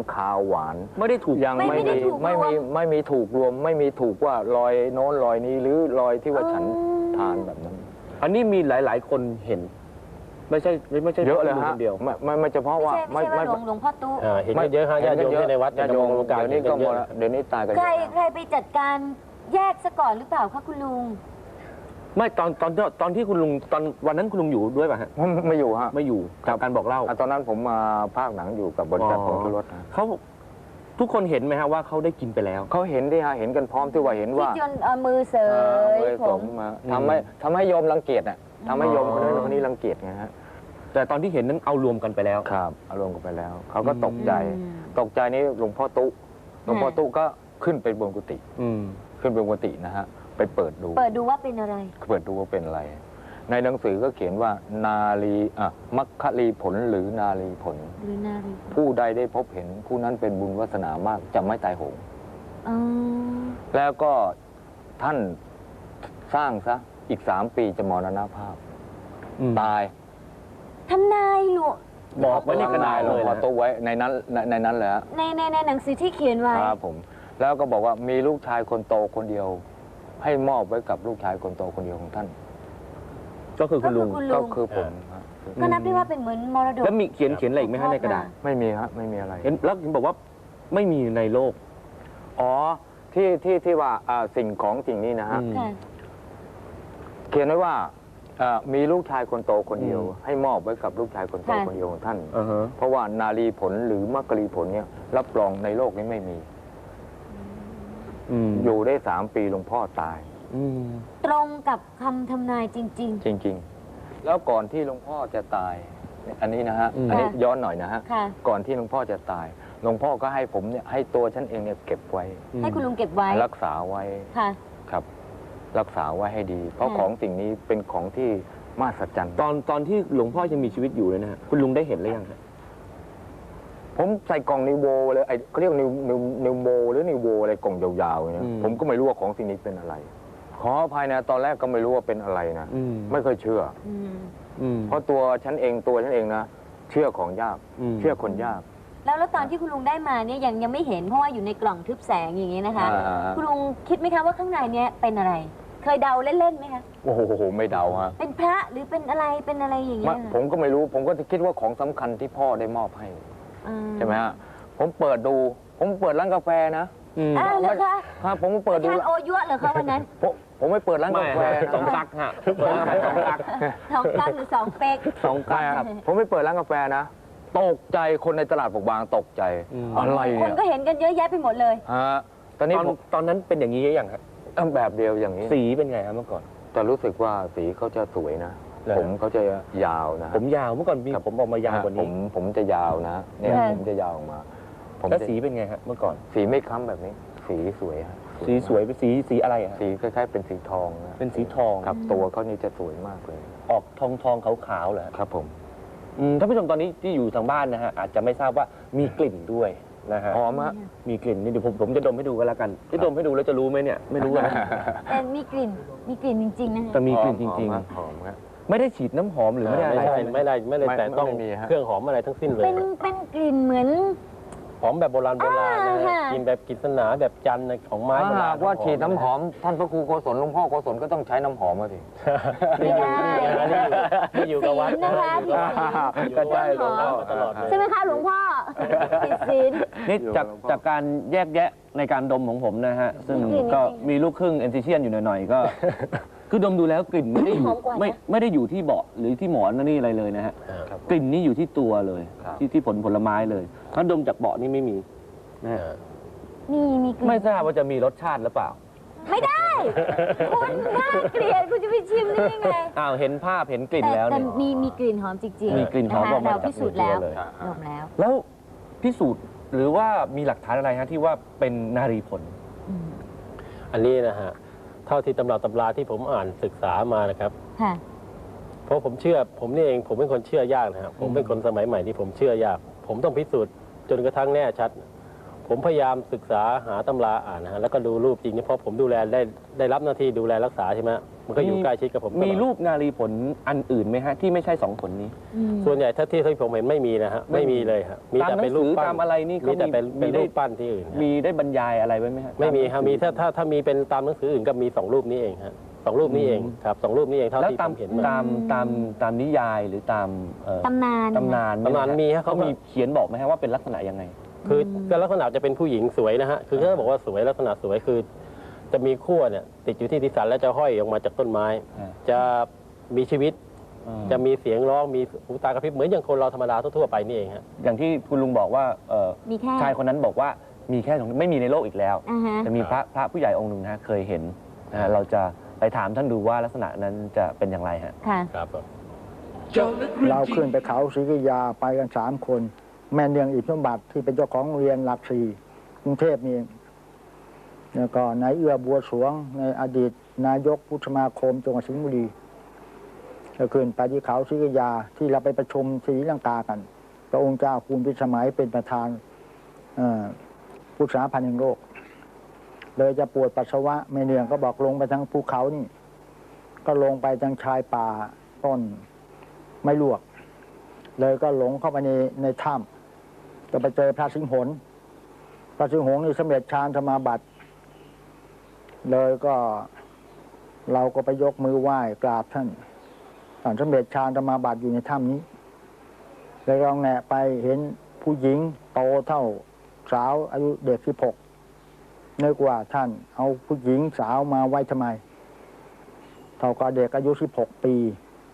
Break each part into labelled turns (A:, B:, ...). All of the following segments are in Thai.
A: คาวหวาน
B: ไม่ได้ถูก
A: ยังไม่มีถูกรวมไม่มีถูกว่ารอยโน้นรอยนี้หรือรอยที่ว่าฉันทานแบบนั้น
B: อันนี้มีหลาย ๆ คนเห็น ไม่ใช่
A: เยอะเลยฮะ
B: คนเดียว
A: ไม่เฉพาะว่า
C: ไม่ใช่ว่าหลวงพ่อตู้
D: เห็นเยอะฮะญาติโยมที่ในวัด
A: ญาติโยมเดี๋ยวนี้ก็หมดเดี๋ยวนี้ตายกัน
C: ใครไปจัดการแยกซะก่อนหรือเปล่าคะคุณลุง
B: ไม่ตอนที่คุณลุงตอนวันนั้นคุณลุงอยู่ด้วยป่ะฮะ
A: ไม่อยู่ฮะ
B: ไม่อยู่กับการบอกเล่า
A: ตอนนั้นผมมาภาคหนังอยู่กับบริษัทผงชูรส
B: เขาทุกคนเห็นไหมฮะว่าเขาได้กินไปแล้ว
A: เขาเห็นดิฮะเห็นกันพร้อมที่ว่าเห็นว่า
C: ที่จนเอามือเสย
A: ผ
C: ผม
A: มาทำให้โยมรังเกียจอ่ะทำให้โยมคนนั้นคนนี้รังเกียจไงฮะ
B: แต่ตอนที่เห็นนั้นเอารวมกันไปแล้ว
A: ครับอารมณ์กันไปแล้วเขาก็ตกใจนี่หลวงพ่อตุ๊ก็ขึ้นไปบนกุฏิขึ้นไปบนกุฏินะฮะไปเปิดดู
C: ว่าเป็นอะไร
A: เปิดดูว่าเป็นอะไรในหนังสือก็เขียนว่านาลีมัคคลีผลหรือนาลีผลผู้ใดได้พบเห็นผู้นั้นเป็นบุญวาสนามากจะไม่ตายโหงแล้วก็ท่านสร้างซะอีก3 ปีจะมรณภาพตาย
C: ทำนายหลวง
B: บอกไว้ในกระดาษเลยนะ
A: ตัวไว้ในนั้นเลยฮะ
C: ในหนังสือที่เขียนไว้
A: ครับผมแล้วก็บอกว่ามีลูกชายคนโตคนเดียวให้มอบไว้กับลูกชายคนโตคนเดียวของท่าน
B: ก็คือคุณลุง
A: ก็คือผม
C: ก็นับได้ว่าเป็นเหมือนมรดก
B: แล้วมีเขียนอะไรอีกไหมฮะในกระดาษ
A: ไม่มีฮะไม่มีอะไร
B: แล้วถึงบอกว่าไม่มีในโลก
A: อ๋อที่ว่าสิ่งของสิ่งนี้นะฮะเขียนไว้ว่ามีลูกชายคนโตคนเดียวให้มอบไว้กับลูกชายคนโตคนเดียวของท่านเพราะว่านารีผลหรือมัคคลีผลเนี่ยรับรองในโลกนี้ไม่มีอยู่ได้3 ปีหลวงพ่อตาย
C: ตรงกับคำทำนายจริง
A: จริงแล้วก่อนที่หลวงพ่อจะตายอันนี้นะฮะอันนี้ย้อนหน่อยนะฮะก่อนที่หลวงพ่อจะตายหลวงพ่อก็ให้ผมเนี่ยให้ตัวฉันเองเนี่ยเก็บไว้
C: ให้คุณลุงเก็บไว้
A: รักษาไว้ครับรักษาไว้ให้ดีเพราะของสิ่งนี้เป็นของที่มหัศจรรย์
B: ตอนที่หลวงพ่อยังมีชีวิตอยู่เลยนะฮะคุณลุงได้เห็นหรือยังครับ
A: ผมใส่กล่องนิวโวเลยเขาเรียกนิวโวหรือนิวโวอะไรกล่องยาวๆเนี่ยผมก็ไม่รู้ว่าของสิ่งนี้เป็นอะไรขออภัยนะตอนแรกก็ไม่รู้ว่าเป็นอะไรนะไม่เคยเชื่อเพราะตัวฉันเองนะเชื่อของยากเชื่อคนยาก
C: แล้วตอนที่คุณลุงได้มาเนี่ยยังไม่เห็นเพราะว่าอยู่ในกล่องทึบแสงอย่างนี้นะคะคุณลุงคิดไหมคะว่าข้างในเนี่ยเป็นอะไรเคยเดาเล่นๆไหมคะ
A: โอ้โหไม่เดาฮะ
C: เป็นพระหรือเป็นอะไรอย่างเงี้ย
A: ผมก็ไม่รู้ผมก็คิดว่าของสำคัญที่พ่อได้มอบให้ใช่ไหมฮะผมเปิดดูผมเปิดร้านกาแฟนะ
C: เหรอคะ
A: ครับผมเปิดดู
C: ทานโอยั่วเหรอคะวันนั้น
A: ผมไม่เปิดร้านกาแฟ
B: 2 กั๊กฮะ2 กั๊ก
C: หรือ2 เป๊ก
A: 2 กั๊กครับผมไม่เปิดร้านกาแฟนะตกใจคนในตลาดปกบางตกใจอะไรเนี่ย
C: คนก็เห็นกันเยอะแยะไปหมดเลย
A: ฮะต
B: อนนั้นเป็นอย่างนี้ยังครับ
A: แบบเดียวอย่างนี้
B: สีเป็นไงครับเมื่อก่อน
A: แต่รู้สึกว่าสีเขาจะสวยนะผมเขาจะยาวนะ
B: ผมยาวเมื่อก่อนผมออกมายาวกว่านี้
A: ผมจะยาวนะเนี่ยผมจะยาวออกมา
B: แล้วสีเป็นไงฮะเมื่อก่อน
A: สีไม่ค้ำแบบนี้สีสวยฮะ
B: สีสวยเป็นสีอะไรฮะ
A: สีคล้ายๆเป็นสีทองนะ
B: เป็นสีทอง
A: ครับตัวเขานี่จะสวยมากเลย
B: ออกทองขาวๆเหรอ
A: ครับผม
B: ท่านผู้ชมตอนนี้ที่อยู่ทางบ้านนะฮะอาจจะไม่ทราบว่ามีกลิ่นด้วยนะฮะ
A: หอมฮะ
B: มีกลิ่นนี่เดี๋ยวผมจะดมให้ดูกันแล้วกันที่ดมให้ดูแล้วจะรู้ไหมเนี่ยไม่รู้นะ
C: แต่มีกลิ่นจริงๆนะ
B: แต่มีกลิ่นจริง
A: ๆหอมครับ
B: ไม่ได้ฉีดน้ำหอมหรือไม่ได้อะไร
D: ไม่ได้แต่ต้องเครื่องหอมอะไรทั้งสิ้นเลย
C: เป็นกลิ่นเหมือน
D: หอมแบบโบราณนะกินแบบกิษณาแบบจันทร์ของไม้โบราณ
A: ว่าฉีดน้ำหอมท่านพระครูโกศลหลวงพ่อโกศลก็ต้องใช้น้ำหอมมาสิ
C: ไม่ได้
D: ที่อยู่กับวัด
C: นะคะ
A: ก็ใช่หลวงพ่อ
C: ตลอดใช่ไหมคะหลวงพ่อผิดศีล
B: นี่จากการแยกแยะในการดมของผมนะฮะซึ่งก็มีลูกครึ่งเอนติเชียนอยู่หน่อยๆก็คือดมดูแล้วกลิ่นไม่ได้อยู่ที่เบาะหรือที่หมอนนี่อะไรเลยนะฮะกลิ่นนี่อยู่ที่ตัวเลยที่ผลไม้เลยถ้าดมจากเบาะนี่ไม่มีนะฮะ
C: มีกลิ่น
B: ไม่ทราบว่าจะมีรสชาติหรือเปล่า
C: ไม่ได้คุณน่าเกลียดคุณจะไปชิมได้ยังไง
B: เห็นภาพเห็นกลิ่นแล้ว
C: แต่มีกลิ่นหอมจริงๆ
B: มีกลิ่นหอมออกมา
C: เราพิสูจน์แล้วดม
B: แล้วพิสูจน์หรือว่ามีหลักฐานอะไรฮะที่ว่าเป็นนารีผล
D: อันนี้นะฮะเท่าที่ตำราที่ผมอ่านศึกษามานะครับเพราะผมเชื่อผมนี่เองผมเป็นคนเชื่อยากนะครับผมเป็นคนสมัยใหม่ที่ผมเชื่อยากผมต้องพิสูจน์จนกระทั่งแน่ชัดผมพยายามศึกษาหาตำราอ่านนะฮะแล้วก็ดูรูปจริงเนี่ยเพราะผมดูแลได้รับหน้าที่ดูแลรักษาใช่ไหมมันก็อยู่ใกล้ชิดกับผมตลอด
B: มีรูปนารีผลอันอื่นไหมฮะที่ไม่ใช่2 ผลนี้
D: ส่วนใหญ่ถ้าที่ผมเห็นไม่มีนะฮะไม่มีเลยครับมีแต่เป็นรูปปั้น
B: ตามอะไรนี่
D: มีแต่เป็น
B: มีได้
D: รูปปั้นที่อื่นฮะ
B: มีได้บรรยายอะไรไว้ไหมฮะ
D: ไม่มีครับมีถ้ามีเป็นตามหนังสืออื่นก็มี2 รูปนี้เองฮะ2 รูปนี้เองครับ2 รูปนี้เองเท่า
B: แล้ว
D: ที่
B: ตา
D: ผม มเห็นมา
B: ตามนิยายหรือตาม
C: ตำนาน
B: ตำนาน
D: ตำนานมีฮะ
B: เขามีเขียนบอกไหมฮะว่าเป็นลักษณะยังไง
D: คือก็ลักษณะจะเป็นผู้หญิงสวยนะฮะคือเขาบอกว่าสวยลักษณะสวยคือ จะมีขั้วเนี่ยติดอยู่ที่ศีรษะแล้วจะห้อยออกมาจากต้นไม้ จะมีชีวิต จะมีเสียงร้องมีหูตากระพริบเหมือนอย่างคนเราธรรมดาทั่วๆไปนี่เองฮะ
B: อย่างที่คุณลุงบอกว่า
C: มีแค่
B: ชายคนนั้นบอกว่ามีแค่2ไม่มีในโลกอีกแล้ว จะมีพระผู้ใหญ่องค์หนึ่งนะฮะเคยเห็นนะฮะเราจะไปถามท่านดูว่าลักษณะนั้นจะเป็นอย่างไรฮะ
C: ค่ะ
D: ครับ
E: เราขึ้นไปเขาศรีกิยาไปกัน3 คน แม่เนืองอิทธิสมบัติที่เป็นเจ้าของโรงเรียนหลักสี่กรุงเทพนี่แล้วก็นายเอื้อบัวสวงในอดีตนายกพุทธสมาคมจังหวัดสิงห์บุรีก็ขึ้นไปที่เขาศรีกิยาที่เราไปประชุมศรีลังกากันพระองค์เจ้าคุณพิสมัยเป็นประธานพุทธสาพันธ์แห่งโลกเลยจะปวดปัสสาวะแม่เนืองก็บอกลงไปทางภูเขานี่ก็ลงไปทางชายป่าต้นไม่ลวกเลยก็หลงเข้าไปในถ้ำก็ไปเจอพระสิงห์หนพระสิงห์หนนี่สำเร็จฌานสมาบัติเลยก็เราก็ไปยกมือไหว้กราบท่านสำเร็จฌานสมาบัติอยู่ในถ้ำนี้เลยเราแงะไปเห็นผู้หญิงโตเท่าสาวอายุเด็ก16นึกว่าท่านเอาผู้หญิงสาวมาไว้ทำไมเท่ากับเด็กอายุ16 ปี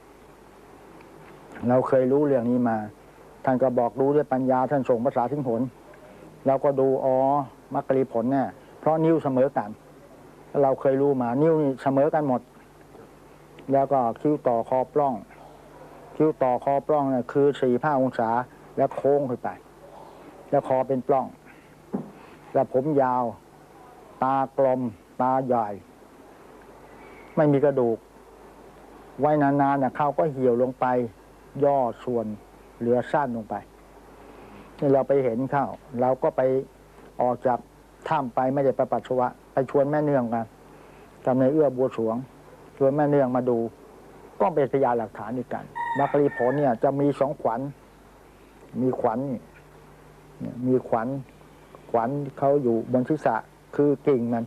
E: เราเคยรู้เรื่องนี้มาท่านก็บอกรู้ด้วยปัญญาท่านส่งภาษาสิงห์หนเราก็ดูมรรคผลเนี่ยเพราะนิ้วเสมอกันเราเคยรู้มานิ้วนี่เสมอกันหมดแล้วก็คิ้วต่อคอปล้องคิ้วต่อคอปล้องเนี่ยคือ4-5 องศาแล้วโค้งขึ้นไปแล้วคอเป็นปล้องแล้วผมยาวตากลมตาใหญ่ไม่มีกระดูกไว้นานๆเนี่ยเขาก็เหี่ยวลงไปย่อส่วนเหลือสั้นลงไปนี่เราไปเห็นเข้าเราก็ไปออกจากถ้ำไปไม่ได้ไปปัสสาวะไปชวนแม่เนืองกันทำในเอื้อบัวสวงชวนแม่เนืองมาดูก็เป็นพยานหลักฐานอีกกันมรรคผลเนี่ยจะมี2 ขวัญมีขวัญมีขวัญเขาอยู่บนศีรษะคือกิ่งมัน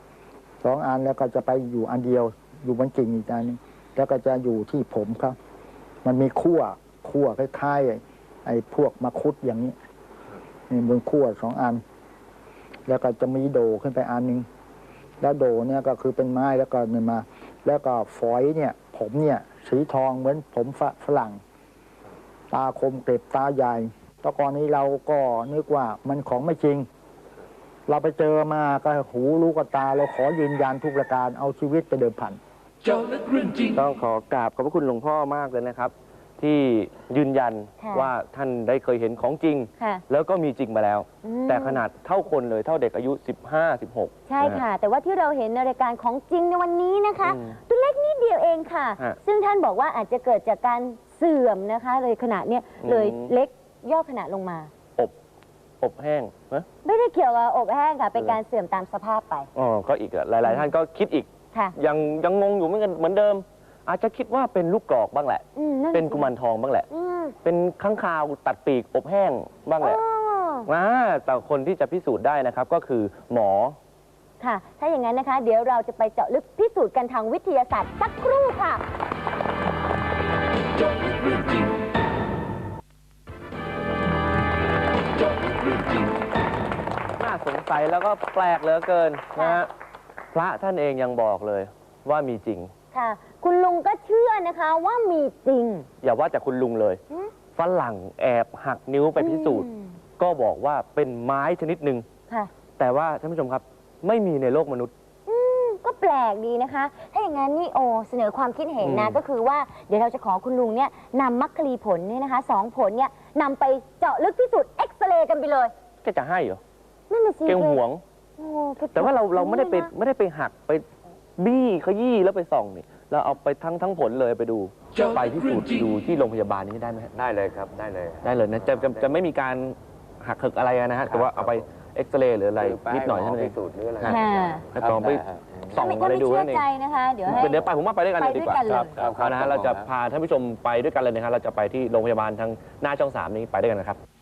E: 2 อันแล้วก็จะไปอยู่อันเดียวอยู่บนกิ่งอีกอันนึงแล้วก็จะอยู่ที่ผมครับมันมีขั้วคล้ายๆไอ้พวกมะคุดอย่างนี้บนขั้ว2 อันแล้วก็จะมีโดขึ้นไปอันนึงแล้วโดเนี่ยก็คือเป็นไม้แล้วก็เนี่ยมาแล้วก็ฝอยเนี่ยผมเนี่ยสีทองเหมือนผมฝรั่งตาคมเกล็บตาใหญ่ตอนก่อนนี้เราก็นึกว่ามันของไม่จริงเราไปเจอมาก็หูรู้กับตาเราขอยืนยันทุกประการเอาชีวิตไปเดิมพัน
B: ต้องขอกราบขอบพระคุณหลวงพ่อมากเลยนะครับ ที่ยืนยันว่าท่านได้เคยเห็นของจริง แล้วก็มีจริงมาแล้ว แต่ขนาดเท่าคนเลยเท่าเด็กอายุ 15-16
C: ใช่ค่ะ แต่ว่าที่เราเห็นในรายการของจริงในวันนี้นะคะตัวเล็กนิดเดียวเองค่ะ ซึ่งท่านบอกว่าอาจจะเกิดจากการเสื่อมนะคะเลยขนาดเนี้ยเลยเล็กย่อขนาดลงมา
B: อบแห้ง
C: ไม่ได้เกี่ยวกับอกแห้งค่ะเป็นการเสื่อมตามสภาพไป
B: ก็อีกหลายๆท่านก็คิดอีกยังงงอยู่เหมือนเดิมอาจจะคิดว่าเป็นลูกกรอกบ้างแหละเป็นกุมารทองบ้างแหละเป็นค้างคาวตัดปีกอบแห้งบ้างแหละแต่คนที่จะพิสูจน์ได้นะครับก็คือหมอ
C: ค่ะถ้าอย่างนั้นนะคะเดี๋ยวเราจะไปเจาะลึกพิสูจน์กันทางวิทยาศาสตร์สักครู่ค่ะ
B: น่าสงสัยแล้วก็แปลกเหลือเกินนะฮะพระท่านเองยังบอกเลยว่ามีจริง
C: ค่ะคุณลุงก็เชื่อนะคะว่ามีจริง
B: อย่าว่าแต่คุณลุงเลยฝรั่งแอบหักนิ้วไปพิสูจน์ก็บอกว่าเป็นไม้ชนิดหนึ่งแต่ว่าท่านผู้ชมครับไม่มีในโลกมนุษย์
C: ก็แปลกดีนะคะถ้าอย่างนั้นนี่เสนอความคิดเห็นนะก็คือว่าเดี๋ยวเราจะขอคุณลุงเนี่ยนำมรรคผลเนี่ยนะคะ2 ผลเนี่ยนำไปเจาะลึกพิสูจน์เอ็กซเรย์กันไปเลย
B: จะให้เหรอ
C: นั่นน่ะสิ
B: เกงหวงแต่ว่าเราไม่ได้ไปหักไปบี้ขยี้แล้วไปส่องนี่เราเอาไปทั้งผลเลยไปดูไปพิสูจน์ดูที่โรงพยาบาลนี้ได้ไหม
A: ได้เลยครับได้เลย
B: นะจะไม่มีการหักเหิกอะไรนะฮะแต่ว่าเอาไปเอ็เอ็กซเรย์หรืออะไรนิดหน่อยเท่านั้นเอ
A: พิ
B: ง
A: สูจน์หรืออะไร
C: ค่ะ
B: แล้วก็ไปส่อง
C: ถ้า
B: อะไร
C: ไม่
B: ดู
C: เชื่
B: นั่
C: อน
B: เอง
C: ใจนะคะเดี๋ยวให้
B: เดี๋ยวไปผมว่าไปด้วยกันเลยดีกว่า
C: ไปด้วยกันเลย
B: ครับนะฮะเราจะพาท่านผู้ชมไปด้วยกันเลยนะครับเราจะไปที่โรงพยาบาลทางหน้าช่อง 3นี้ไปด้วยกันนะครับ